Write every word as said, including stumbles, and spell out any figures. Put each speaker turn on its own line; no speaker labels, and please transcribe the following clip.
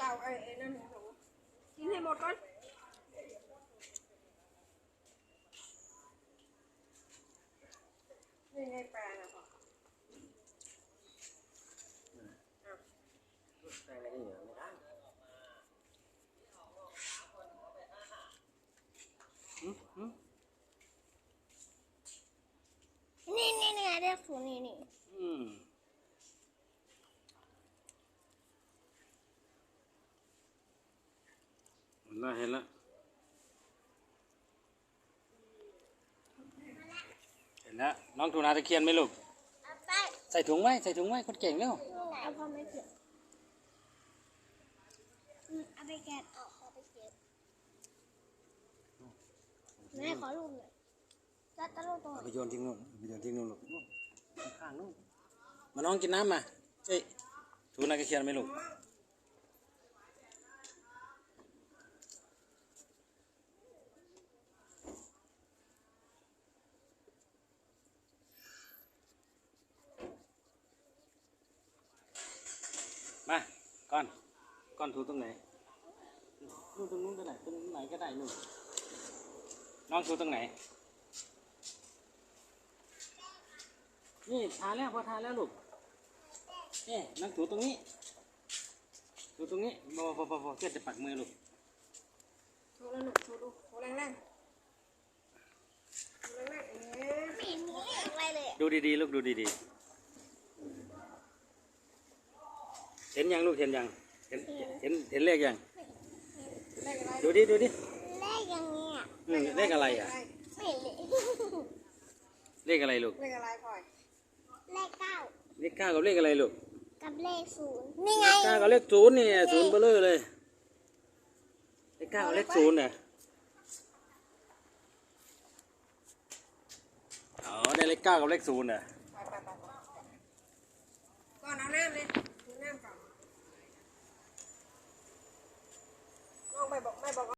เอาไอ้ไอ้นั่นหนูกินให้หมดก่อนนี่ไงปลาน่ะพ่อ
ใส่อะไรก็เหนียวไม่ได้อืมอืม
นี่นี่นี่เรียกสูนี่นี่
อืมเห็นละเห็นละเห็นแล้วน้องทูนาตะเคียนไหมลูก
ไป
ใส่ถุงไว้ใส่ถุงไว้คนเก่งเร็ว
นี่ไหนเอาพอไม่เก็บเอาไปแกะออกเอาไปเก็บแม่ขอลูกหน่อยจะตะลุกตรงไหน
เอาไปโยนทิ้งนู่นไปโยนทิ้งนู่นลูกข้างๆนู่นมาน้องกินน้ำมาเอ้ยทูนาตะเคียนไหมลูกมาก้อนก้อนถูตรงไหนนู่นตรงนู้นก็ได้ตรงไหนก็ได้นู่นน้องถูตรงไหนนี่ทาแล้วพอทาแล้วลูกนี่น้องถูตรงนี้ถูตรงนี้พอพอพอพอเพื่อจะปักมือลูก
ถูแล้วหนูถูดูถูแรงแรงถูแรงแรงเอ๊ะ
ไม่เห็นมีอะไรเลย
ดูดีๆลูกดูดีๆเห็นยังลูกเห็นยังเห็นเห็นเห็นเลขยัง
เลขอะไร
ดูดิดูดิ
เลขอย่างเงี้ย
อืมเลขอะไรอ่ะ
ไม่เห็นเลย
เลขอะไรลูก
เลขอะไรพ่อย
เลขเก้า
เลขเก้ากับเลขอะไรลูก
กับเลขศูนย์นี่ไง
เก้ากับเลขศูนย์นี่ศูนย์เบลอเลยเลขเก้ากับเลขศูนย์เนี่ยอ๋อได้เลขเก้ากับเลขศูนย์เนี่ย
ไปไปไปก่อนเอาน้ำเลย